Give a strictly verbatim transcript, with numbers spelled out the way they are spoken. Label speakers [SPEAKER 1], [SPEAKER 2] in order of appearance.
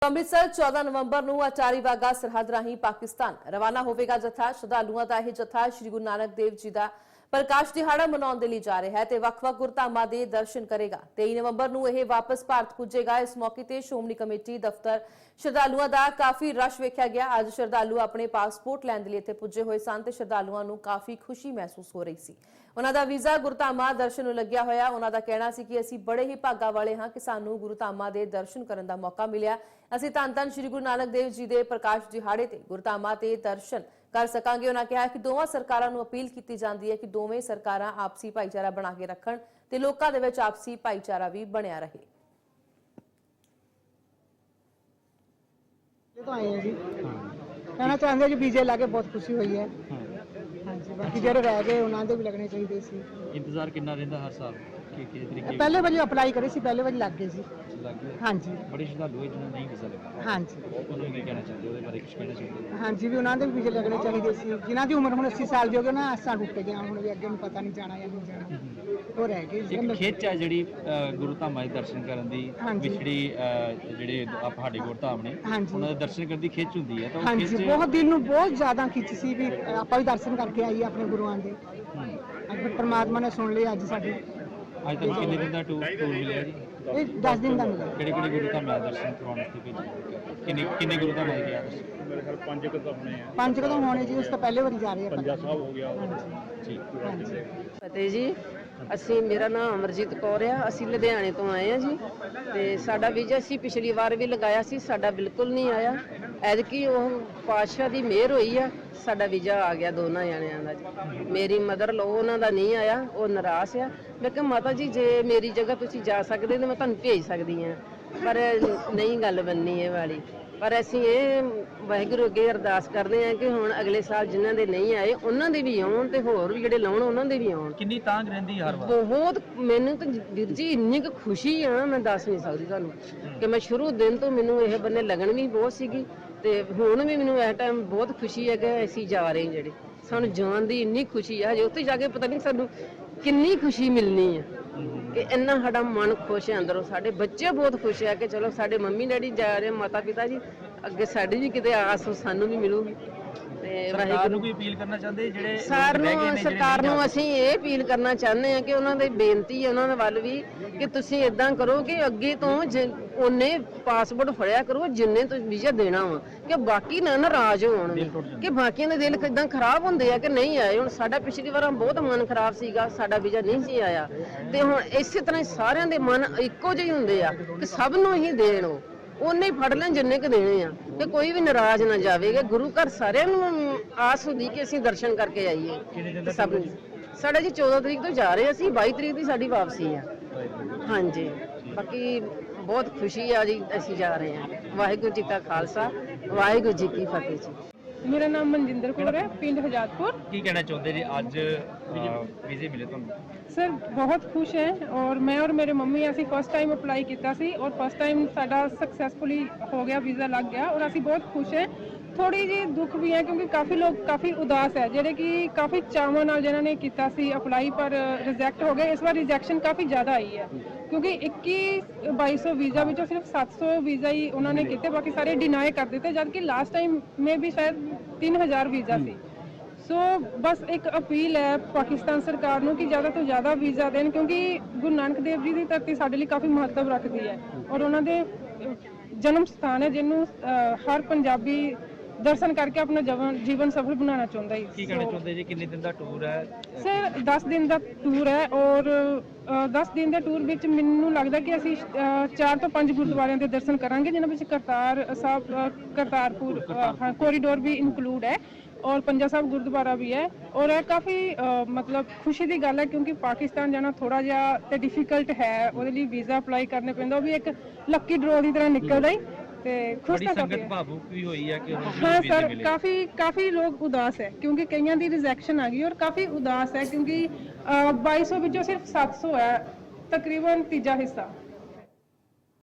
[SPEAKER 1] ਅੰਮ੍ਰਿਤਸਰ ਚੌਦਾਂ ਨਵੰਬਰ ਨੂੰ ਅਟਾਰੀ ਵਾਗਾ ਸਰਹੱਦ ਰਾਹੀਂ ਪਾਕਿਸਤਾਨ ਰਵਾਨਾ ਹੋਵੇਗਾ। ਜਥਾ ਸ਼ਰਧਾਲੂਆਂ ਦਾ ਇਹ ਜਥਾ ਸ਼੍ਰੀ ਗੁਰੂ ਨਾਨਕ ਦੇਵ ਜੀ ਦਾ ਪ੍ਰਕਾਸ਼ ਦਿਹਾੜਾ ਮਨਾਉਣ ਦੇ ਲਈ ਜਾ ਰਿਹਾ ਹੈ ਤੇ ਵੱਖ-ਵੱਖ ਗੁਰਧਾਮਾਂ ਦੇ ਦਰਸ਼ਨ ਕਰੇਗਾ। ਤੇਈ ਨਵੰਬਰ ਨੂੰ ਇਹ ਵਾਪਸ ਭਾਰਤ ਪੁੱਜੇਗਾ। ਇਸ ਮੌਕੇ ਤੇ ਸ਼੍ਰੋਮਣੀ ਕਮੇਟੀ ਦਫ਼ਤਰ ਸ਼ਰਧਾਲੂਆਂ ਦਾ ਕਾਫੀ ਰਸ਼ ਵੇਖਿਆ ਗਿਆ। ਅੱਜ ਸ਼ਰਧਾਲੂ ਆਪਣੇ ਪਾਸਪੋਰਟ ਲੈਣ ਦੇ ਲਈ ਇੱਥੇ ਪੁੱਜੇ ਹੋਏ ਸਨ ਤੇ ਸ਼ਰਧਾਲੂਆਂ ਨੂੰ ਕਾਫੀ ਖੁਸ਼ੀ ਮਹਿਸੂਸ ਹੋ ਰਹੀ ਸੀ। ਉਹਨਾਂ ਦਾ ਵੀਜ਼ਾ ਗੁਰਧਾਮਾਂ ਦਰਸ਼ਨ ਨੂੰ ਲੱਗਿਆ ਹੋਇਆ। ਉਹਨਾਂ ਦਾ ਕਹਿਣਾ ਸੀ ਕਿ ਅਸੀਂ ਬੜੇ ਹੀ ਭਾਗਾਂ ਵਾਲੇ ਹਾਂ ਕਿ ਸਾਨੂੰ ਗੁਰਧਾਮਾਂ ਦੇ ਦਰਸ਼ਨ ਕਰਨ ਦਾ ਮੌਕਾ ਮਿਲਿਆ। ਅਸੀਂ ਧੰਨ ਧੰਨ ਸ਼੍ਰੀ ਗੁਰੂ ਨਾਨਕ ਦੇਵ ਜੀ ਦੇ ਪ੍ਰਕਾਸ਼ ਦਿਹਾੜੇ ਤੇ ਗੁਰਧਾਮਾਂ ਤੇ ਦਰਸ਼ਨ ਕਰ ਸਕਾਂਗੇ। ਉਹਨਾਂ ਕਿਹਾ ਕਿ ਦੋਵਾਂ ਸਰਕਾਰਾਂ ਨੂੰ ਅਪੀਲ ਕੀਤੀ ਜਾਂਦੀ ਹੈ ਕਿ ਦੋਵੇਂ ਸਰਕਾਰਾਂ ਆਪਸੀ ਭਾਈਚਾਰਾ ਬਣਾ ਕੇ ਰੱਖਣ ਤੇ ਲੋਕਾਂ ਦੇ ਵਿੱਚ ਆਪਸੀ ਭਾਈਚਾਰਾ ਵੀ ਬਣਿਆ ਰਹੇ।
[SPEAKER 2] तो आए हैं जी कहना चाहते जी वीजे ला के बहुत खुशी हुई है। हाँ जी बाकी जो रह गए उन्होंने भी लगने चाहिए सी।
[SPEAKER 3] इंतजार कितना रहता हर साल कि किस तरीके
[SPEAKER 2] पहले वारी अप्लाई करे सी पहले वारी लग गए सी
[SPEAKER 3] लग गए।
[SPEAKER 2] हाँ जी
[SPEAKER 3] बड़े श्रद्धालु है जिन्होंने नहीं वीजा लगा।
[SPEAKER 2] हाँ जी
[SPEAKER 3] उन्होंने क्या कहना चाहते हो बारे कुछ कहना चाहते
[SPEAKER 2] हाँ जी भी उन्होंने भी वीजे लगने चाहिए सी। जिन्हों की उम्र हम अस्सी साल की हो गई ना असा टुट गया हूँ भी अगे पता नहीं जाना या नहीं जाना वो रह गए।
[SPEAKER 3] एक खिच है जी गुरु धामां दे दर्शन करन दी विछड़ी ਜਿਹੜੇ ਸਾਡੇ ਗੁਰਧਾਮ ਨੇ ਉਹਨਾਂ ਦੇ ਦਰਸ਼ਨ ਕਰਨ ਦੀ ਖਿੱਚ ਹੁੰਦੀ ਹੈ ਤਾਂ
[SPEAKER 2] ਹਾਂ ਜੀ ਬਹੁਤ ਦਿਲ ਨੂੰ ਬਹੁਤ ਜ਼ਿਆਦਾ ਖਿੱਚ ਸੀ ਵੀ ਆਪਾਂ ਵੀ ਦਰਸ਼ਨ ਕਰਕੇ ਆਈਏ ਆਪਣੇ ਗੁਰੂਆਂ ਦੇ। ਅੱਜ ਪਰਮਾਤਮਾ ਨੇ ਸੁਣ ਲਿਆ ਅੱਜ ਸਾਡੇ।
[SPEAKER 3] ਅੱਜ ਤੱਕ ਕਿੰਨੇ ਦਿਨ ਦਾ ਟੂਰ ਟੂਰ ਮਿਲਿਆ ਜੀ?
[SPEAKER 2] ਇਹ ਦਸ ਦਿਨ ਦਾ ਮਿਲਿਆ।
[SPEAKER 3] ਕਿਹੜੇ ਕਿਹੜੇ ਗੁਰੂ ਧਾਮਾਂ ਦੇ ਦਰਸ਼ਨ ਕਰਵਾਉਣ ਵਾਸਤੇ ਭੇਜੇ? ਕਿੰਨੇ ਕਿੰਨੇ ਗੁਰੂ ਧਾਮਾਂ ਦੇ ਗਿਆ ਦਰਸ਼ਨ?
[SPEAKER 4] ਮੇਰੇ ਖਿਆਲ ਪੰਜ ਕੁ ਤਾਂ ਹੋਣੇ ਆ।
[SPEAKER 2] ਪੰਜ ਕਦੋਂ ਹੋਣੇ ਜੀ ਉਸ ਤੋਂ ਪਹਿਲੇ ਵਾਰੀ ਜਾ ਰਹੇ ਆ।
[SPEAKER 4] ਪੰਜਾ ਸਾਹਿਬ ਹੋ ਗਿਆ
[SPEAKER 3] ਠੀਕ
[SPEAKER 2] ਹਾਂ ਜੀ
[SPEAKER 5] ਫਤਿਹ ਜੀ। ਅਸੀਂ ਮੇਰਾ ਨਾਮ ਅਮਰਜੀਤ ਕੌਰ ਆ। ਅਸੀਂ ਲੁਧਿਆਣੇ ਤੋਂ ਆਏ ਆ ਜੀ ਤੇ ਸਾਡਾ ਵੀਜ਼ਾ ਅਸੀਂ ਪਿਛਲੀ ਵਾਰ ਵੀ ਲਗਾਇਆ ਸੀ, ਸਾਡਾ ਬਿਲਕੁਲ ਨਹੀਂ ਆਇਆ। ਐਤਕੀ ਉਹ ਪਾਤਸ਼ਾਹ ਦੀ ਮਿਹਰ ਹੋਈ ਆ, ਸਾਡਾ ਵੀਜ਼ਾ ਆ ਗਿਆ ਦੋਨਾਂ ਜਣਿਆਂ ਦਾ ਜੀ। ਮੇਰੀ ਮਦਰ ਲੋ ਉਹਨਾਂ ਦਾ ਨਹੀਂ ਆਇਆ, ਉਹ ਨਿਰਾਸ਼ ਆ। ਮੈਂ ਕਿਹਾ ਮਾਤਾ ਜੀ ਜੇ ਮੇਰੀ ਜਗ੍ਹਾ ਤੁਸੀਂ ਜਾ ਸਕਦੇ ਤਾਂ ਮੈਂ ਤੁਹਾਨੂੰ ਭੇਜ ਸਕਦੀ ਹਾਂ, ਪਰ ਨਹੀਂ ਗੱਲ ਬਣਨੀ ਇਹ ਵਾਲੀ। ਪਰ ਅਸੀਂ ਇਹ ਵਾਹਿਗੁਰੂ ਅੱਗੇ ਅਰਦਾਸ ਕਰਦੇ ਹਾਂ ਕਿ ਹੁਣ ਅਗਲੇ ਸਾਲ ਜਿਨ੍ਹਾਂ ਦੇ ਨਹੀਂ ਆਏ ਉਹਨਾਂ ਦੇ ਵੀ ਆਉਣ ਤੇ ਹੋਰ ਵੀ ਜਿਹੜੇ ਲਾਉਣ ਉਹਨਾਂ ਦੇ ਵੀ ਆਉਣ।
[SPEAKER 3] ਕਿੰਨੀ ਤਾਂਘ ਰਹਿੰਦੀ ਹਰ ਵਾਰ?
[SPEAKER 5] ਬਹੁਤ ਮੈਨੂੰ ਤਾਂ ਵੀਰ ਜੀ ਇੰਨੀ ਕੁ ਖੁਸ਼ੀ ਆ ਮੈਂ ਦੱਸ ਨਹੀਂ ਸਕਦੀ ਤੁਹਾਨੂੰ ਕਿ ਮੈਂ ਸ਼ੁਰੂ ਦਿਨ ਤੋਂ ਮੈਨੂੰ ਇਹ ਬੰਨੇ ਲੱਗਣ ਵੀ ਬਹੁਤ ਸੀਗੀ ਤੇ ਹੁਣ ਵੀ ਮੈਨੂੰ ਇਸ ਟਾਈਮ ਬਹੁਤ ਖੁਸ਼ੀ ਹੈ ਕਿ ਅਸੀਂ ਜਾ ਰਹੇ ਹਾਂ। ਜਿਹੜੇ ਸਾਨੂੰ ਜਾਣ ਦੀ ਇੰਨੀ ਖੁਸ਼ੀ ਆ, ਜੇ ਉੱਥੇ ਜਾ ਕੇ ਪਤਾ ਨਹੀਂ ਸਾਨੂੰ ਕਿੰਨੀ ਖੁਸ਼ੀ ਮਿਲਣੀ ਹੈ ਕਿ ਇੰਨਾ ਸਾਡਾ ਮਨ ਖੁਸ਼ ਹੈ ਅੰਦਰੋਂ। ਸਾਡੇ ਬੱਚੇ ਬਹੁਤ ਖੁਸ਼ ਹੈ ਕਿ ਚਲੋ ਸਾਡੇ ਮੰਮੀ ਡੈਡੀ ਜਾ ਰਹੇ, ਮਾਤਾ ਪਿਤਾ ਜੀ ਅੱਗੇ ਸਾਡੀ ਵੀ ਕਿਤੇ ਆਸ ਸਾਨੂੰ ਵੀ ਮਿਲੂਗੀ। ਤੇ
[SPEAKER 3] ਸਰਕਾਰ ਨੂੰ ਕੋਈ ਅਪੀਲ ਕਰਨਾ ਚਾਹੁੰਦੇ ਜਿਹੜੇ
[SPEAKER 5] ਸਰਕਾਰ ਨੂੰ ਸਰਕਾਰ ਨੂੰ ਅਸੀਂ ਇਹ ਅਪੀਲ ਕਰਨਾ ਚਾਹੁੰਦੇ ਹਾਂ ਕਿ ਉਹਨਾਂ ਦੇ ਬੇਨਤੀ ਹੈ ਉਹਨਾਂ ਦੇ ਵੱਲ ਵੀ ਕਿ ਤੁਸੀਂ ਇਦਾਂ ਕਰੋ ਕਿ ਅੱਗੇ ਤੋਂ ਉਹਨੇ ਪਾਸਪੋਰਟ ਫੜਿਆ ਕਰੋ ਜਿੰਨੇ ਤੁਸੀਂ ਵੀਜ਼ਾ ਦੇਣਾ ਵਾ, ਕਿ ਬਾਕੀ ਨਾ ਨਾਰਾਜ਼ ਹੋਣ ਕਿ ਬਾਕੀਆਂ ਦੇ ਦਿਲ ਕਿਦਾਂ ਖਰਾਬ ਹੁੰਦੇ ਆ ਕਿ ਨਹੀਂ ਆਏ। ਹੁਣ ਸਾਡਾ ਪਿਛਲੀ ਵਾਰ ਬਹੁਤ ਮਨ ਖਰਾਬ ਸੀਗਾ, ਸਾਡਾ ਵੀਜ਼ਾ ਨਹੀਂ ਸੀ ਆਇਆ ਤੇ ਹੁਣ ਇਸੇ ਤਰ੍ਹਾਂ ਸਾਰਿਆਂ ਦੇ ਮਨ ਇੱਕੋ ਜਿਹੇ ਹੁੰਦੇ ਆ ਕਿ ਸਭ ਨੂੰ ਹੀ ਦੇਣ ਉਹਨੇ ਹੀ ਫੜ ਲੈਣ ਜਿੰਨੇ ਕੁ ਦੇਣੇ ਆ ਤੇ ਕੋਈ ਵੀ ਨਾਰਾਜ਼ ਨਾ ਜਾਵੇਗਾ। ਗੁਰੂ ਘਰ ਸਾਰਿਆਂ ਨੂੰ ਆਸ ਹੁੰਦੀ ਕਿ ਅਸੀਂ ਦਰਸ਼ਨ ਕਰਕੇ ਆਈਏ ਸਭ ਨੂੰ। ਸਾਡਾ ਜੀ ਚੌਦਾਂ ਤਰੀਕ ਤੋਂ ਜਾ ਰਹੇ ਅਸੀਂ, ਬਾਈ ਤਰੀਕ ਦੀ ਸਾਡੀ ਵਾਪਸੀ ਆ। ਹਾਂਜੀ ਬਾਕੀ ਬਹੁਤ ਖੁਸ਼ੀ ਆ ਜੀ, ਅਸੀਂ ਜਾ ਰਹੇ ਹਾਂ। ਵਾਹਿਗੁਰੂ ਜੀ ਕਾ ਖਾਲਸਾ ਵਾਹਿਗੁਰੂ ਜੀ ਕੀ ਫਤਿਹ ਜੀ।
[SPEAKER 6] मेरा नाम मनजिंदर कौर है, पिंड हजारपुर।
[SPEAKER 3] ਕੀ ਕਹਿਣਾ ਚਾਹੁੰਦੇ ਜੀ ਅੱਜ ਵੀਜ਼ੇ ਮਿਲੇ ਤੁਹਾਨੂੰ?
[SPEAKER 6] सर बहुत खुश है और मैं और मेरे मम्मी ਅਸੀਂ फर्स्ट टाइम अप्लाई किया सी और फर्स्ट टाइम ਸਾਡਾ सक्सैसफुली हो गया, वीज़ा लग गया और ਅਸੀਂ बहुत खुश है। थोड़ी जी दुख भी है क्योंकि काफ़ी लोग काफ़ी उदास है ਜਿਹੜੇ कि काफ़ी ਚਾਵਾਂ ਨਾਲ ਜਿਨ੍ਹਾਂ ਨੇ ਕੀਤਾ ਸੀ ਅਪਲਾਈ ਪਰ ਰਿਜੈਕਟ ਹੋ ਗਏ। ਇਸ ਵਾਰ ਰਿਜੈਕਸ਼ਨ ਕਾफ़ी ਜ਼ਿਆਦਾ ਆਈ ਹੈ ਕਿਉਂਕਿ ਇੱਕੀ ਬਾਈ ਸੌ ਵੀਜ਼ਾ ਵਿੱਚੋਂ ਸਿਰਫ ਸੱਤ ਸੌ ਵੀਜ਼ਾ ਹੀ ਉਹਨਾਂ ਨੇ ਕੀਤੇ, ਬਾਕੀ ਸਾਰੇ ਡਿਨਾਈ ਕਰ ਦਿੱਤੇ, ਜਦ ਕਿ ਲਾਸਟ ਟਾਈਮ ਮੇ ਵੀ ਸ਼ਾਇਦ ਤਿੰਨ ਹਜ਼ਾਰ ਵੀਜ਼ਾ ਸੀ। ਸੋ ਬਸ ਇੱਕ ਅਪੀਲ ਹੈ ਪਾਕਿਸਤਾਨ ਸਰਕਾਰ ਨੂੰ ਕਿ ਜ਼ਿਆਦਾ ਤੋਂ ਜ਼ਿਆਦਾ ਵੀਜ਼ਾ ਦੇਣ ਕਿਉਂਕਿ ਗੁਰੂ ਨਾਨਕ ਦੇਵ ਜੀ ਦੀ ਧਰਤੀ ਸਾਡੇ ਲਈ ਕਾਫੀ ਮਹੱਤਵ ਰੱਖਦੀ ਹੈ ਔਰ ਉਹਨਾਂ ਦੇ ਜਨਮ ਸਥਾਨ ਹੈ ਜਿਹਨੂੰ ਹਰ ਪੰਜਾਬੀ ਦਰਸ਼ਨ ਕਰਕੇ ਆਪਣਾ ਜੀਵਨ ਸਫਲ ਬਣਾਉਣਾ ਚਾਹੁੰਦਾ ਹੈ।
[SPEAKER 3] ਕੀ ਕਹਿਣਾ ਚਾਹੁੰਦੇ ਜੀ? ਕਿੰਨੇ ਦਿਨ ਦਾ ਟੂਰ ਹੈ?
[SPEAKER 6] ਸਰ ਦਸ ਦਿਨ ਦਾ ਟੂਰ ਹੈ ਔਰ ਦਸ ਦਿਨ ਦੇ ਟੂਰ ਵਿੱਚ ਮੈਨੂੰ ਲੱਗਦਾ ਕਿ ਅਸੀਂ ਚਾਰ ਤੋਂ ਪੰਜ ਗੁਰਦੁਆਰਿਆਂ ਦੇ ਦਰਸ਼ਨ ਕਰਾਂਗੇ ਜਿਨ੍ਹਾਂ ਵਿੱਚ ਕਰਤਾਰ ਸਾਹਿਬ ਕਰਤਾਰਪੁਰ ਕੋਰੀਡੋਰ ਵੀ ਇਨਕਲੂਡ ਹੈ और पंजा साहब गुरुद्वारा भी है। और यह काफ़ी मतलब खुशी की गल है क्योंकि पाकिस्तान जाना थोड़ा जिहा ते डिफिकल्ट है, ਉਹਦੇ ਲਈ ਵੀਜ਼ਾ ਅਪਲਾਈ ਕਰਨੇ ਪੈਂਦਾ, ਉਹ ਵੀ ਇੱਕ ਲੱਕੀ ਡਰਾ ਦੀ ਤਰ੍ਹਾਂ ਨਿਕਲਦਾ ਹੀ ਤੇ ਖੁਸ਼ ਤਾਂ
[SPEAKER 3] ਸੰਗਤ ਭਾਵੁਕ ਵੀ ਹੋਈ ਹੈ ਕਿ
[SPEAKER 6] ਹਾਂ ਸਰ ਕਾਫੀ ਕਾਫੀ ਲੋਕ ਉਦਾਸ ਹੈ ਕਿਉਂਕਿ ਕਈਆਂ ਦੀ ਰਿਜੈਕਸ਼ਨ ਆ ਗਈ ਔਰ ਕਾਫੀ ਉਦਾਸ ਹੈ ਕਿਉਂਕਿ ਬਾਈ ਸੌ ਵਿੱਚੋਂ ਸਿਰਫ ਸੱਤ ਸੌ ਹੈ, ਤਕਰੀਬਨ ਤੀਜਾ ਹਿੱਸਾ।